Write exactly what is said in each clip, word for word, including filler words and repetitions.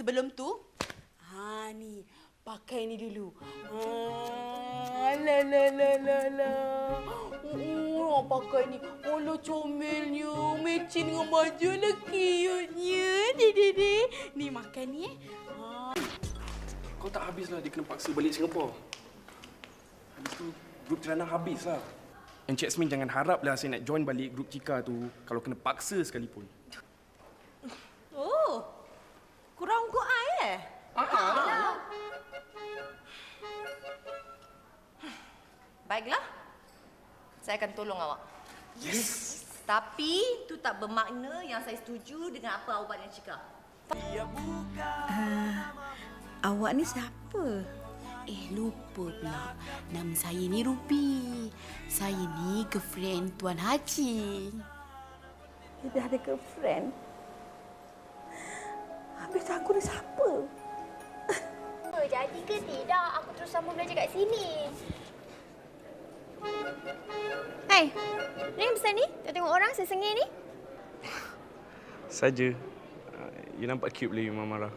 sebelum tu, ha ni, pakai ni dulu. Ha, la la la la la. Oh, pakai ni. Alah, comelnya. Matching dengan baju lah, cute-nya. Dede. Ni, makan ni eh. Ha. Kau tak habislah dia kena paksa balik Singapura. Habis tu, grup Tirana habislah. Encik Yasmin jangan haraplah saya nak join balik grup Cika tu kalau kena paksa sekalipun. Oh, kurang kau ai eh? Ah. Baiklah. Saya akan tolong awak. Yes. Tapi itu tak bermakna yang saya setuju dengan apa awak dan Cika. Uh, awak ni siapa? Eh, lupa pula. Nama saya ni Ruby. Saya ni girlfriend Tuan Haji. Dia dah ada girlfriend? Habis aku ni siapa? Jadi ke tidak aku terus sambung belajar kat sini? Hai, ni besar ni? Tak tengok orang sesengih ni? Saja. Uh, you nampak cute boleh Mama marah.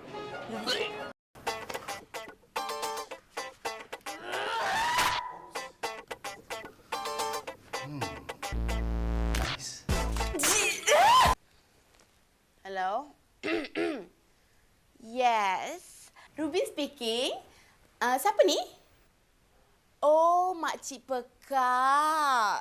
Hmm. Nice. Hello? Yes. Ruby speaking. Uh, siapa ni? Oh, Makcik Pekak.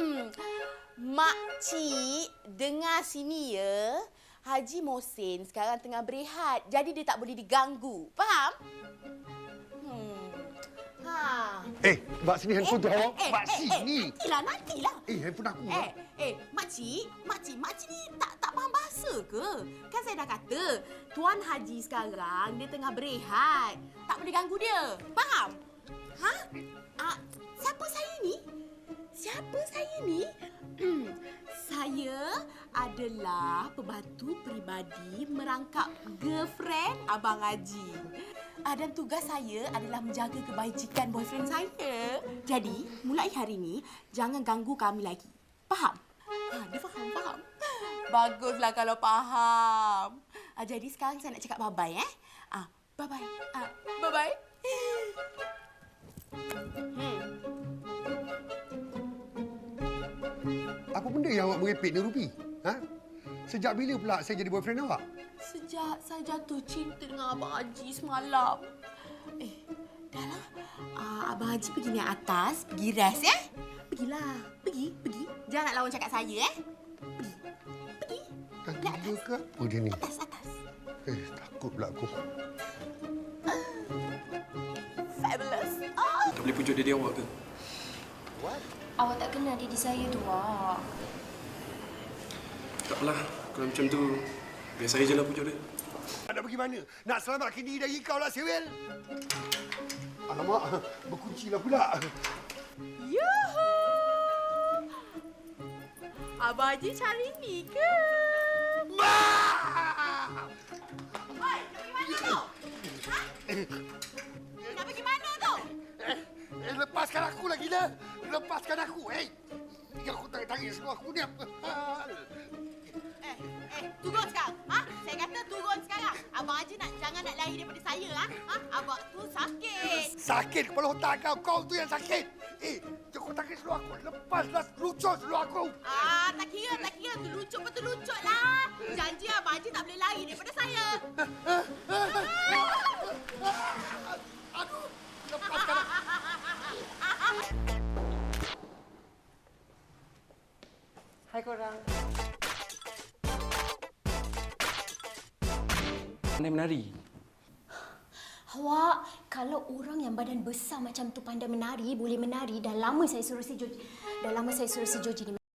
Makcik, dengar sini ya. Haji Mohsin sekarang tengah berehat. Jadi dia tak boleh diganggu. Faham? Hmm. Ha. Eh, Mak sini handphone tu awak. Eh, Mak eh, sini. Eh, nantilah, nantilah. Eh, handphone aku. Eh, eh, makcik, makcik, makcik ni tak tak faham bahasa ke? Kan saya dah kata, Tuan Haji sekarang dia tengah berehat. Tak boleh ganggu dia. Faham? Ha? Ah, siapa saya ni? Siapa saya ni? Saya adalah pembantu peribadi merangkap girlfriend Abang Haji. Ah, dan tugas saya adalah menjaga kebajikan boyfriend saya. Jadi, mulai hari ini, jangan ganggu kami lagi. Faham? Ha, dia faham, faham. Baguslah kalau faham. Ah, jadi sekarang saya nak cakap bye-bye, eh? Ah, bye-bye. Ah, bye-bye. Hmm. Apa benda yang awak merepek ni, Ruby? Ha? Sejak bila pula saya jadi boyfriend awak? Sejak saya jatuh cinta dengan Abang Haji semalam. Eh, dah lah. Uh, Abang Haji pergi naik atas, pergi rest, eh? Pergilah. Pergi, pergi. Jangan nak lawan cakap saya, eh? Pergi. Pergi. Dah gila ke apa dia ni? Atas, atas. Eh, takut pula aku. Fabulous. Oh. Tak boleh pujuk diri awak ke? Awak tak kenal diri saya tu, Wak. Tak apalah. Kalau macam tu, biar saya je lah pujuk dia. Nak pergi mana? Nak selamatkan diri dari kau lah, Sewel. Alamak, berkuncilah pula. Yuhu! Abang Haji cari ni ke? Ma! Oi, nak pergi mana tu? Ha? Nak pergi mana tu? Eh, eh, lepaskan aku lah, gila. Lepaskan aku, eh. Yang aku tarik-tarik semua aku ni apa hal? Eh, eh, turun sekarang. Ha? Saya kata turun sekarang. Abang Haji nak jangan nak lari daripada saya, ha? Ha? Abang tu sakit. Sakit kepala otak kau. Kau tu yang sakit. Eh, jangan tarik seluar aku. Lepaslah lucut seluar aku. Ah, tak kira, tak kira. Tu lucut betul lucut lah. Janji Abang Haji tak boleh lari daripada saya. Aduh, lepaskan aku. Hai korang. Pandai menari. Awak, kalau orang yang badan besar macam tu pandai menari, boleh menari, dah lama saya suruh si Joji. Dah lama saya suruh si Joji ni